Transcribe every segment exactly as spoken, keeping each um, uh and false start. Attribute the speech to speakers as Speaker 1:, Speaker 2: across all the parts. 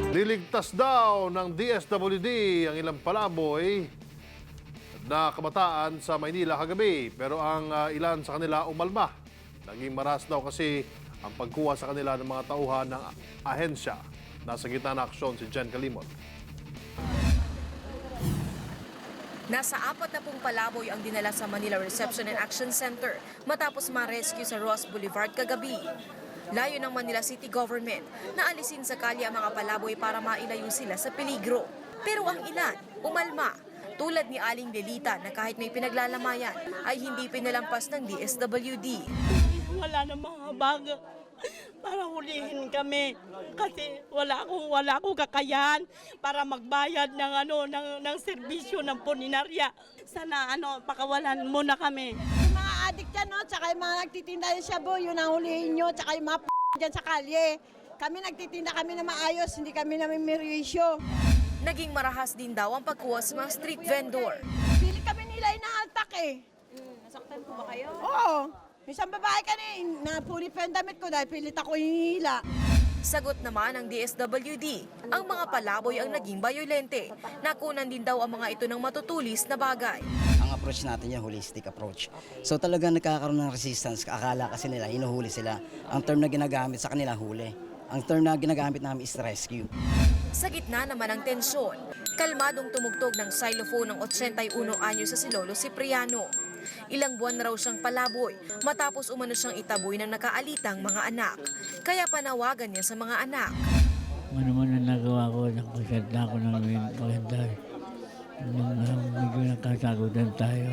Speaker 1: Niligtas daw ng D S W D ang ilang palaboy na kabataan sa Maynila kagabi. Pero ang uh, ilan sa kanila umalma. Naging maras daw kasi ang pagkuha sa kanila ng mga tauhan ng ahensya. Nasa gitna ng aksyon si Jen Calimon.
Speaker 2: Nasa apat na pong palaboy ang dinala sa Manila Reception and Action Center matapos ma-rescue sa Ross Boulevard kagabi. Layo ng Manila City Government na alisin sa kalye ang mga palaboy para mailayo sila sa peligro. Pero ang ilan, umalma. Tulad ni Aling Lelita na kahit may pinaglalamayan ay hindi pinalampas ng D S W D.
Speaker 3: Wala na mga baga para hulihin kami kasi wala akong wala akong kakayahan para magbayad ng ano ng ng serbisyo ng puninarya. Sana ano pakawalan muna kami.
Speaker 4: Yung mga adik dyan, no? Tsaka yung mga nagtitinda ng shabu, yun ang hulihin nyo, tsaka yung mga p*** dyan sa kalye. Kami nagtitinda kami na maayos, hindi kami namin mirisyo.
Speaker 2: Naging marahas din daw ang pagkuha sa mga street vendor.
Speaker 4: Pili kami nila inahaltak eh.
Speaker 2: Hmm, nasaktan po ba kayo?
Speaker 4: Oo. Isang babae ka na puli pa yung damit ko dahil pilit ako hinihila.
Speaker 2: Sagot naman ng D S W D, ang mga palaboy ang naging bayolente. Nakunan din daw ang mga ito ng matutulis na bagay.
Speaker 5: Ang approach natin yung holistic approach. So talagang nagkakaroon ng resistance. Akala kasi nila, hinuhuli sila. Ang term na ginagamit sa kanila, huli. Ang term na ginagamit namin is rescue.
Speaker 2: Sa gitna naman ng tensyon, kalmadong tumugtog ng xylophone ng eighty-one anyo sa si Lolo Cipriano. Ilang buwan na raw siyang palaboy matapos umano siyang itaboy ng nakaalitang mga anak. Kaya panawagan niya sa mga anak.
Speaker 6: Ano man ang nagawa ko, nakasenta ako ng maganda. Nung uh, medyo nakasagutan tayo,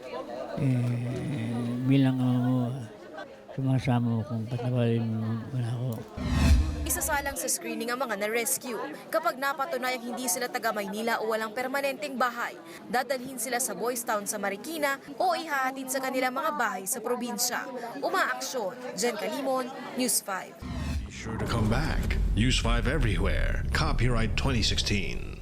Speaker 6: eh, bilang ako, sumasama ko kung patawarin mo wala ako.
Speaker 2: Isasalang sa screening ang mga na-rescue. Kapag napatunayang hindi sila taga Maynila o walang permanenteng bahay, dadalhin sila sa Boys Town sa Marikina o ihahatid sa kanilang mga bahay sa probinsya. Umaaksyon, Jen Calimon, News five.
Speaker 7: Be sure to come back. Use five everywhere. Copyright twenty sixteen.